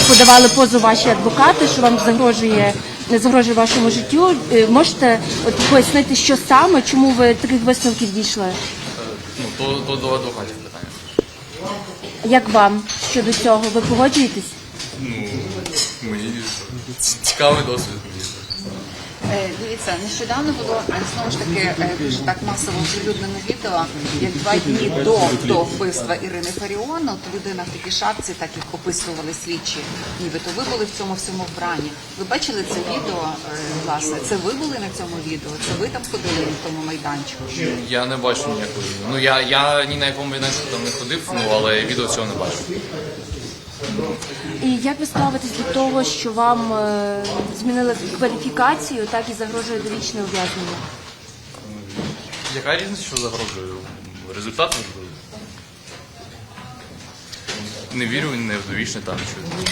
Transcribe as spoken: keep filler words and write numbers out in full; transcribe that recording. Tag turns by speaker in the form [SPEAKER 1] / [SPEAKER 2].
[SPEAKER 1] подавали позов ваші адвокати, що вам загрожує, загрожує вашому життю. Е, Можете от пояснити, що саме, чому ви таких висновків дійшли?
[SPEAKER 2] Ну, то, то до адвокатів питання.
[SPEAKER 1] Як вам щодо цього? Ви погоджуєтесь?
[SPEAKER 2] Ну, мені цікавий досвід.
[SPEAKER 3] Е, Дивіться, нещодавно було е, знову ж таки е, дуже так масово оприлюднено відео, як два дні до, до вбивства Ірини Фаріон, от людина в такій шапці, так як описували слідчі, нібито ви були в цьому всьому вбранні. Ви бачили це відео, е, власне? Це ви були на цьому відео? Це ви там ходили на тому майданчику?
[SPEAKER 2] Я не бачу ніякого. Ну, я, я ні на якому майданчику там не ходив, ну, але відео цього не бачу.
[SPEAKER 1] І як ви ставитесь до того, що вам е, змінили кваліфікацію, так і загрожує довічне ув'язнення?
[SPEAKER 2] Яка різниця, що загрожує? Результат важливий. Не вірю, не в довічне там. Що...